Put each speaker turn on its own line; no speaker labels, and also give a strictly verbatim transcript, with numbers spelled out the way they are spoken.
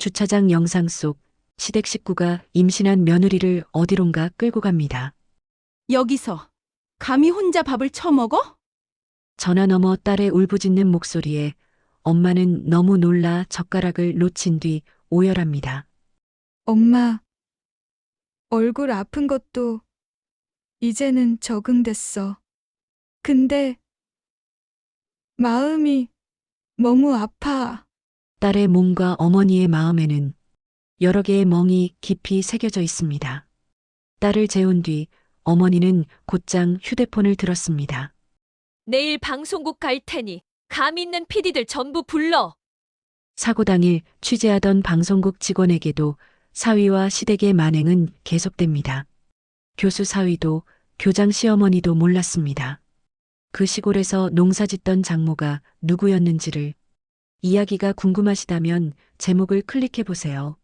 주차장 영상 속 시댁 식구가 임신한 며느리를 어디론가 끌고 갑니다.
여기서 감히 혼자 밥을 처먹어?
전화 너머 딸의 울부짖는 목소리에 엄마는 너무 놀라 젓가락을 놓친 뒤 오열합니다.
엄마, 얼굴 아픈 것도 이제는 적응됐어. 근데 마음이 너무 아파.
딸의 몸과 어머니의 마음에는 여러 개의 멍이 깊이 새겨져 있습니다. 딸을 재운 뒤 어머니는 곧장 휴대폰을 들었습니다.
내일 방송국 갈 테니 감 있는 피디들 전부 불러.
사고 당일 취재하던 방송국 직원에게도 사위와 시댁의 만행은 계속됩니다. 교수 사위도 교장 시어머니도 몰랐습니다. 그 시골에서 농사짓던 장모가 누구였는지를. 이야기가 궁금하시다면 제목을 클릭해 보세요.